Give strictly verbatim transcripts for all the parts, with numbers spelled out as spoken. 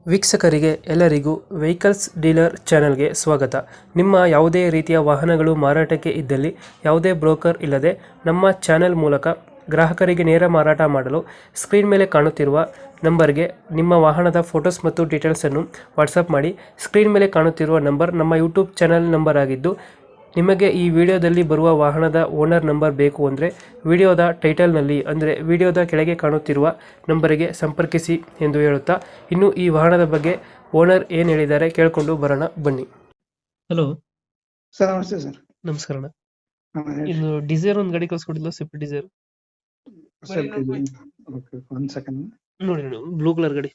ವೀಕ್ಷಕರಿಗೆ ಎಲ್ಲರಿಗೂ vehicles dealer ಚಾನೆಲ್ಗೆ ಸ್ವಾಗತ. ನಿಮ್ಮ ಯಾವುದೇ ರೀತಿಯ ವಾಹನಗಳು ಮಾರಾಟಕ್ಕೆ ಇದ್ದಲ್ಲಿ ಯಾವುದೇ ಬ್ರೋಕರ್ ಇಲ್ಲದೆ ನಮ್ಮ ಚಾನೆಲ್ ಮೂಲಕ ಗ್ರಾಹಕರಿಗೆ ನೇರ ಮಾರಾಟ ಮಾಡಲು ಸ್ಕ್ರೀನ್ ಮೇಲೆ ಕಾಣುತ್ತಿರುವ ನಂಬರ್ಗೆ ನಿಮ್ಮ ವಾಹನದ ಫೋಟೋಸ್ ಮತ್ತು ಡೀಟೇಲ್ಸನ್ನು ವಾಟ್ಸಪ್ ಮಾಡಿ. ಸ್ಕ್ರೀನ್ ಮೇಲೆ ಕಾಣುತ್ತಿರುವ ನಂಬರ್ ನಮ್ಮ ಯೂಟ್ಯೂಬ್ ಚಾನೆಲ್ ನಂಬರ್ ಆಗಿದ್ದು, ನಿಮಗೆ ಈ ವಿಡಿಯೋದಲ್ಲಿ ಬರುವ ವಾಹನದ ಓನರ್ ನಂಬರ್ ಬೇಕು ಅಂದರೆ ವಿಡಿಯೋದ ಟೈಟಲ್ನಲ್ಲಿ ಅಂದರೆ ವಿಡಿಯೋದ ಕೆಳಗೆ ಕಾಣುತ್ತಿರುವ ನಂಬರಿಗೆ ಸಂಪರ್ಕಿಸಿ ಎಂದು ಹೇಳುತ್ತಾ, ಇನ್ನು ಈ ವಾಹನದ ಬಗ್ಗೆ ಓನರ್ ಏನು ಹೇಳಿದ್ದಾರೆ ಕೇಳಿಕೊಂಡು ಬರೋಣ ಬನ್ನಿ. Hello sir, namaste sir. ನಮಸ್ಕಾರ. ಹಾ, ಹೇಳಿ. ಇನ್ನು ಡಿಸೈರ್ ಒಂದು ಗಾಡಿ ಕಳ್ಸ್ಕೊಟ್ಟಿಲ್ಲ, ಸ್ವಿಫ್ಟ್ ಡಿಸೈರ್ ಸ್ವಲ್ಪ ಇದು- ಓಕೆ, ಒಂದ್ ಸೆಕೆಂಡ್. ನೋಡಿ, ಬ್ಲೂ ಕಲರ್ ಗಾಡಿ.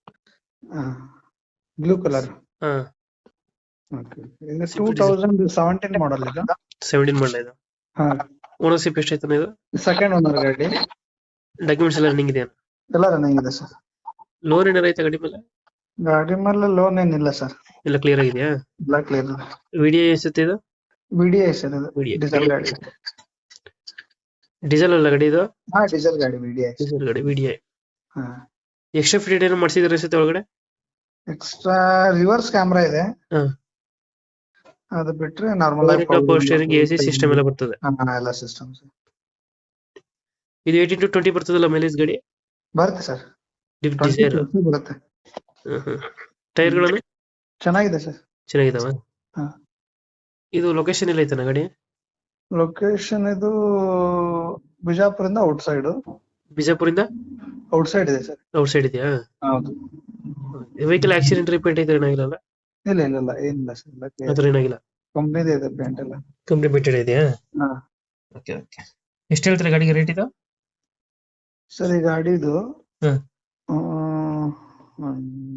Blue colour. ಹಾ, ಓಕೆ, ಇದು ಟೂ ತೌಸಂಡ್ ಸೆವೆಂಟೀನ್ ಮಾಡಲ್ ಇದು. ಸೆವೆಂಟೀನ್ ಮಾಡಲ ಇದು. ಹಾ, ಓನರ್ಶಿಪ್ ಎಷ್ಟಾಯ್ತಾನೆ ಇದು? ಸೆಕೆಂಡ್ ಓನರ್ ಗಾಡಿ. ಡಾಕ್ಯುಮೆಂಟ್ಸ್ ಎಲ್ಲ ರನ್ನಿಂಗ್ ಇದೆಯಾ? ಎಲ್ಲ ರನ್ನಿಂಗ್ ಇದೆ ಸರ್. ಲೋನ್ ಏನಾರ ಐತೆ ಗಾಡಿ ಮೇಲೆ? ಗಾಡಿ ಮೇಲೆ ಲೋನ್ ಏನಿಲ್ಲ ಸರ್, ಎಲ್ಲ ಕ್ಲಿಯರ್ ಆಗಿದೆಯಾ? ಎಲ್ಲ ಕ್ಲಿಯರ್ ಇದೆ. ವಿಡಿಯೋ ಎಷ್ಟುತ್ತೆ ಇದು? ಬಿಡಿ ಐ ಸರ್, ಇದು V D I. ಡೀಸೆಲ್ ಗಾಡಿ. ಡೀಸೆಲ್ ಅಲ್ಲ ಗಾಡಿ ಇದು? ಹಾ, ಡೀಸೆಲ್ ಗಾಡಿ, ಬಿಡಿ ಐ. ಡೀಸೆಲ್ ಗಾಡಿ ವಿ ಡಿ ಐ. ಹಾ, ಎಕ್ಸ್ಟ್ರಾ ಫಿಟೆಡ್ ಏನೋ ಮಾಡಿಸಿದ್ರೆ ಅನ್ಸುತ್ತೆ ಒಳಗಡೆ. ಎಕ್ಸ್ಟ್ರಾ ರಿವರ್ಸ್ ಕ್ಯಾಮ್ರಾ ಇದೆ. ಹಾ. ಅದು ಬಿಟ್ರೆ ನಾರ್ಮಲ್ ಆಗಿ power steering, A C system ಎಲ್ಲ ಬರ್ತದೆ. ಎಲ್ಲ ಸಿಸ್ಟಮ್ಸ್ ಇದು ಏಯ್ಟೀನ್ ಟು ಟ್ವೆಂಟಿ ಬರ್ತದಲ್ಲ ಮೈಲೇಜ್ ಗಾಡಿ? ಬರುತ್ತೆ ಸರ್. ಡಿಸೈರ್. ಬರುತ್ತೆ. ಟೈರ್ಗಳನ್ನು ಚೆನ್ನಾಗಿದೆ ಸರ್. ಚೆನ್ನಾಗಿದಾವ? ಹಾ. ಇದು ಲೊಕೇಶನ್ ಎಲ್ಲ ಐತನ ಗಾಡಿ? ಲೊಕೇಶನ್ ಇದು ಬಿಜಾಪುರಿಂದ ಔಟ್ ಸೈಡ್. ಬಿಜಾಪುರಿಂದ ಔಟ್ ಸೈಡ್ ಇದೆ ಸರ್. ಔಟ್ ಸೈಡ್ ಇದೆಯಾ? ಹೌದು. ವೆಹಿಕಲ್ ಆಕ್ಸಿಡೆಂಟ್ ರಿಪೇಂಟ್ ಐತೆ ಏನಾಗಿಲ್ಲ? ಇಲ್ಲ ಇಲ್ಲ ಇಲ್ಲ, ಏನಿಲ್ಲ ಸರ್. ಅದ್ರ ಏನಾಗಿಲ್ಲ. ಕಂಪ್ನಿದೇ ಇದೆ ಪೇಂಟ್ ಎಲ್ಲ. ಕಂಪ್ನಿ ಬಿಟ್ಟೆಡ್ ಇದೆಯಾ? ಹಾ. Okay okay. ಎಷ್ಟು ಹೇಳ್ತಾರೆ ಗಾಡಿಗೆ ರೇಟ್ ಇದು? ಸರ್, ಈ ಗಾಡಿದು ಹ್ಮ್. ಆ,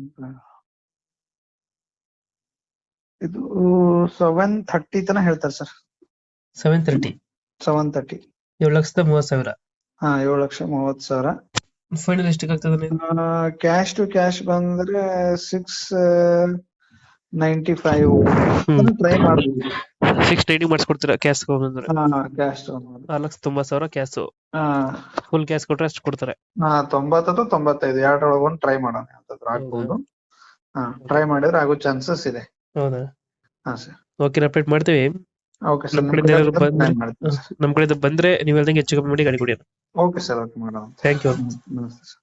ಇದು ಸೆವೆನ್ ಥರ್ಟಿ ತನ ಹೇಳ್ತಾರೆ sir. Seven thirty seven thirty ಏಳು ಲಕ್ಷದ ಮೂವತ್ತು ಸಾವಿರ. ಹಾ, ಏಳು ಲಕ್ಷ ಮೂವತ್ತು ಸಾವಿರ. ಫೈನಲ್ ಎಷ್ಟಕ್ಕೆ ಆಗ್ತದೆ? ಕ್ಯಾಶ್ ಟು ಕ್ಯಾಶ್ ಬಂದ್ರೆ ಸಿಕ್ಸ್ ನೈಂಟಿ ಫೈವ್ ಟ್ರೈ ಮಾಡ್ಬೋದು. ಸಿಕ್ಸ್ ನೈಂಟಿ ಮಾಡಿಸ್ಕೊಡ್ತೀರಾ ಕ್ಯಾಶ್ ಬಂದ್ರೆ? ಕ್ಯಾಶ್ ಆರು ಲಕ್ಷ ತೊಂಬತ್ತು ಸಾವಿರ ಕ್ಯಾಶ್. ಹಾ, ಫುಲ್ ಕ್ಯಾಶ್ ಕೊಟ್ರೆ ಅಷ್ಟು ಕೊಡ್ತಾರೆ. ಹಾ, ತೊಂಬತ್ತು ತೊಂಬತ್ತೈದು ಎರಡರೊಳಗೆ ಒಂದು ಟ್ರೈ ಮಾಡೋಣ ಅಂತಂದ್ರೆ ಆಗ್ಬೋದು. ಹಾ, ಟ್ರೈ ಮಾಡಿದ್ರೆ ಆಗೋ ಚಾನ್ಸಸ್ ಇದೆ. ಹೌದಾ? ಹಾ ಸರ್. ಓಕೆ, ಅಪ್ಡೇಟ್ ಮಾಡ್ತೀವಿ. ಓಕೆ ಸರ್, ನಮ್ ಕಡೆಯಿಂದ ಏನಾದ್ರು ಬಂದ್ರೆ ನಮ್ ಕಡೆಯಿಂದ ಬಂದ್ರೆ ನೀವು ಹೇಳ್ದಂಗೆ ಹೆಚ್ಚು ಕಮ್ಮಿ ಮಾಡಿ ಗಾಡಿ ಕೊಡಿ. ಓಕೆ ಸರ್, ಓಕೆ ಮಾಡೋಣ. Thank you. ನಮಸ್ತೆ ಸರ್.